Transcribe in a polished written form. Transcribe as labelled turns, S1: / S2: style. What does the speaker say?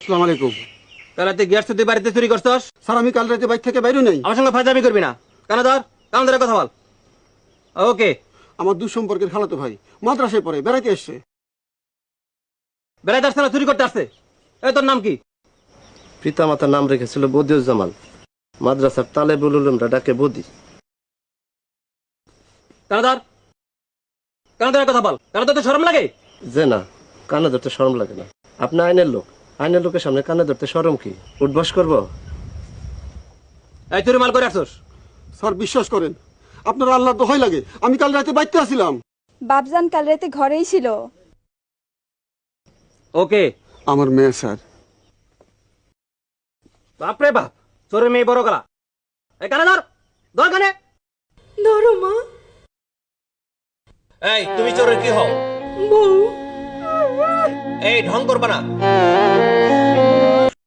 S1: আসসালামু আলাইকুম।
S2: কাল রাতে গ্যাস তুই বাড়িতে চুরি করছস?
S1: স্যার আমি কাল রাতে বাইক থেকে বাইরে নেই।
S2: আমার সঙ্গে ফাজলামি করবি না। কান ধরে কথা বল। ওকে।
S1: আমার দুঃসম্পর্কের খালাতো ভাই মাদ্রাসায় পড়ে বেড়াইতে এসছে।
S2: বেড়াইতে আসছে না চুরি করতে আসছে? এই তোর নাম কি?
S3: পিতামাতার নাম রেখেছিল বদিউজ্জামান, মাদ্রাসার তালেবুল উলুমরা ডাকে বদি।
S2: কান ধরে কথা বল। তো শরম লাগে?
S3: যে না, কানে ধরতে শরম লাগে না। আপনি আইনের লোক, আইনের লোকের সামনে কানে ধরতে শরম কি? উঠবাস করবো?
S2: এই চুরি মাল করে আসছস?
S1: স্যার বিশ্বাস করেন, আপনার আল্লাহর দোহাই লাগে, আমি কাল রাতে বাইতে আসছিলাম।
S4: বাপজান কাল রাতে ঘরেই ছিল।
S2: ওকে।
S1: আমার মেয়ে স্যার।
S2: বাপরে বাপ, চোরের মেয়ে বড় গলা। এই কানে ধর কানে।
S4: ধরো মা।
S2: এই তুমি চোরের কি হও?
S4: বউ।
S2: এই ঢং করবা না।